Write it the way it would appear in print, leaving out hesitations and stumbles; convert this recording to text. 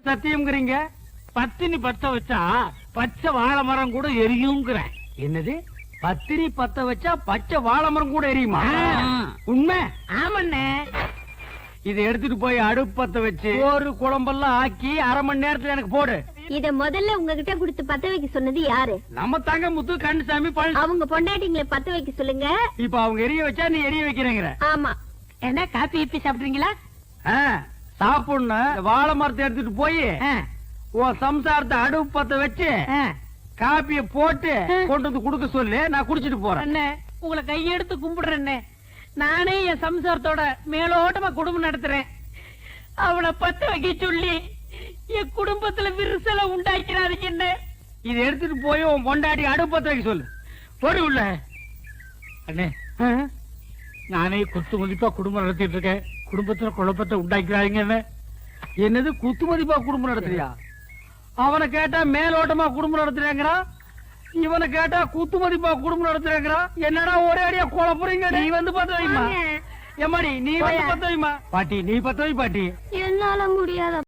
சத்தியம்ங்கிறீங்க? பத்தினி பத்த வச்சா பச்சை வாழை மரம் கூட எரியுங்கிறேன். என்னது? பத்தினி பத்த வச்சா பச்சை வாழை மரம் கூட எரியுமா? உண்மை? ஆமண்ணே. இதை எடுத்துட்டு போய் அடுப்பு பத்த வச்சு ஒரு குழம்பெல்லாம் ஆக்கி அரை மணி நேரத்துல எனக்கு போடு. இத முதல்ல உங்ககிட்ட கொடுத்து பத்த வைக்க சொன்னது யாரு? நம்ம தங்க முத்து கண்ணுசாமி பழனி. அவங்க பொண்டாட்டிங்களை பத்த வைக்க சொல்லுங்க. இப்ப அவங்க எரிய வச்சா நீ எரிய வைக்கிறேங்கிற? ஆமா. என்ன காப்பி இப்பி சாப்பிடுறீங்களா? சாப்பிடணும். வாழை மரத்தை எடுத்துட்டு போய் உன் சம்சாரத்தை அடுப்பு பத்த வச்சு காப்பிய போட்டு கொண்டு வந்து குடுக்க சொல்லு. நான் குடிச்சிட்டு போறேன். அண்ணே, உங்களை கையெடுத்து கும்பிடுறேன். நானே என் சம்சாரத்தோட மேலோட்டமா குடும்பம் நடத்துறேன். அவளை பத்த வைக்க சொல்லி என் குடும்பத்துல விரிசலை உண்டாக்கிறாருங்க. என்ன இதை எடுத்துட்டு போய் உன் பொண்டாட்டி அடுப்பு பத்த வைக்க சொல்லு. போடு உள்ள. அண்ணே, நானே குத்து மதிப்பா குடும்பம் நடத்திட்டு இருக்கேன். குடும்பத்துல குழப்பத்தை உண்டாக்கிறாங்க. என்ன என்னது குத்து மதிப்பா குடும்பம் நடத்துறியா? அவனை கேட்டா மேலோட்டமா குடும்பம் நடத்துறேங்கிறான். இவனை கேட்டா குத்து மதிப்பா குடும்பம் நடத்துறேங்கிறான். என்னடா ஒரே அடியா குழப்புறீங்க. நீ வந்து பத்த வைமா. எம்மாடி நீ வந்து பத்த வைமா. பாட்டி நீ பத்த வை பாட்டி. என்னால முடியாத